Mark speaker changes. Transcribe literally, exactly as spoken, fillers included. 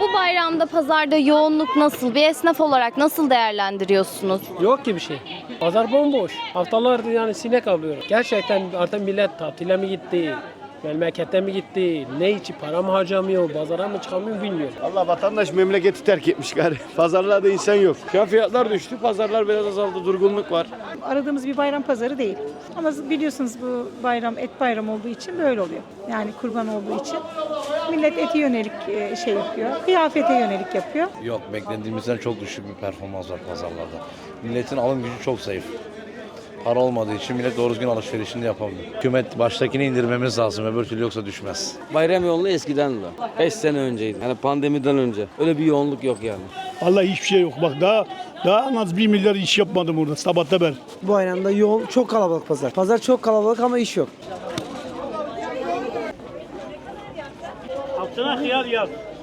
Speaker 1: Bu bayramda pazarda yoğunluk nasıl? Bir esnaf olarak nasıl değerlendiriyorsunuz?
Speaker 2: Yok ki bir şey. Pazar bomboş. Haftalardır yani sinek avlıyoruz. Gerçekten artık millet tatile mi gitti? Memlekete mi gitti? Ne için para mı harcamıyor? Pazara mı çıkamıyor bilmiyorum.
Speaker 3: Allah vatandaş memleketi terk etmiş gari. Pazarlarda insan yok. Şu an fiyatlar düştü. Pazarlar biraz azaldı. Durgunluk var.
Speaker 4: Aradığımız bir bayram pazarı değil. Ama biliyorsunuz bu bayram et bayram olduğu için böyle oluyor. Yani kurban olduğu için millet eti yönelik e, şey yapıyor. Kıyafete yönelik yapıyor.
Speaker 5: Yok, beklediğimizden çok düşük bir performans var pazarlarda. Milletin alım gücü çok zayıf. Para olmadığı için millet doğru düzgün alışverişini yapamıyor. Hükümet baştakini indirmemiz lazım, öbür türlü yoksa düşmez.
Speaker 6: Bayram yoğunluğu eskiden de. beş sene önceydi. Yani pandemiden önce. Öyle bir yoğunluk yok yani.
Speaker 7: Vallahi hiçbir şey yok. Bak daha daha en az bir milyar iş yapmadım burada sabahta ben.
Speaker 8: Bu bayramda yoğun, çok kalabalık pazar. Pazar çok kalabalık ama iş yok.
Speaker 7: Altına hıyar yaz.